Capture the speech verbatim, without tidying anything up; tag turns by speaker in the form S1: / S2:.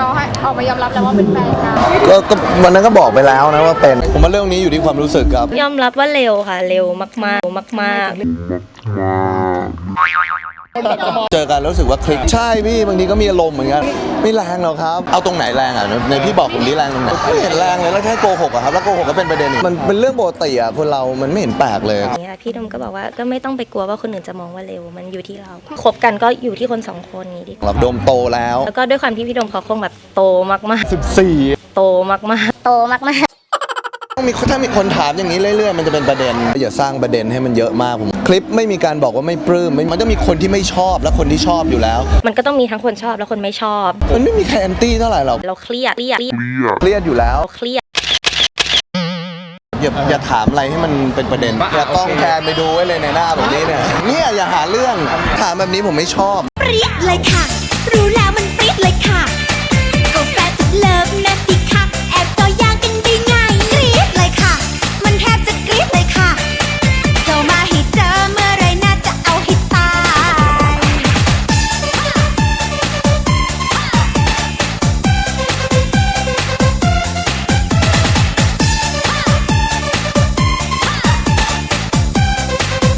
S1: เราให้ออกมายอมรับแล้วว่าเป็นแฟนกัน
S2: ก็ก็วันนั้นก็บอกไปแล้วนะว่าเป็นผมว่าเรื่องนี้อยู่ที่ความรู้สึกครับ
S3: ยอมรับว่าเร็วค่ะเร็วมากๆมากๆ
S2: เจอกันแล้วรู้สึกว่าคลิกใช่พี่บางทีก็มีอารมณ์เหมือนกันไม่แรงหรอกครับเอาตรงไหนแรงอ่ะในพี่บอกผมนี่แรงตรงไหนไม่เห็นแรงเลยแล้วแค่โกหกอะครับแล้วโกหกก็เป็นประเด็นอีกมันเป็นเรื่องปกติอะคนเรามันไม่เห็นแปลกเลย
S3: อย่างเงี้ยพี่ดมก็บอกว่าก็ไม่ต้องไปกลัวว่าคนอื่นจะมองว่าเร็วมันอยู่ที่เราคบกันก็อยู่ที่คนสองคนนี้ดีกว่า
S2: เราโดมโตแล้ว
S3: แล้วก็ด้วยความที่พี่ดมเขาคงแบบโตมากๆ
S2: สิบสี่
S3: โตมากๆโตมากๆ
S2: ต้องมีถ้ามีคนถามอย่างนี้เรื่อยๆมันจะเป็นประเด็นอย่าสร้างประเด็นให้มันเยอะมากผมคลิปไม่มีการบอกว่าไม่ปลื้มมันต้องมีคนที่ไม่ชอบและคนที่ชอบอยู่แล้ว
S3: มันก็ต้องมีทั้งคนชอบและคนไม่ชอบ
S2: มันไม่มีใครแอนตี้เท่าไหร่หรอก
S3: เราเครียดเครียด
S2: เครียดอยู่แล้ว
S3: เครียด
S2: อย่าอย่าถามอะไรให้มันเป็นประเด็นอย่าต้องแพนไปดูไว้เลยในหน้าแบบนี้เนี่ยเนี่ยอย่าหาเรื่องถามแบบนี้ผมไม่ชอบ
S4: เปรี้ยเลยค่ะรู้แล้วมัน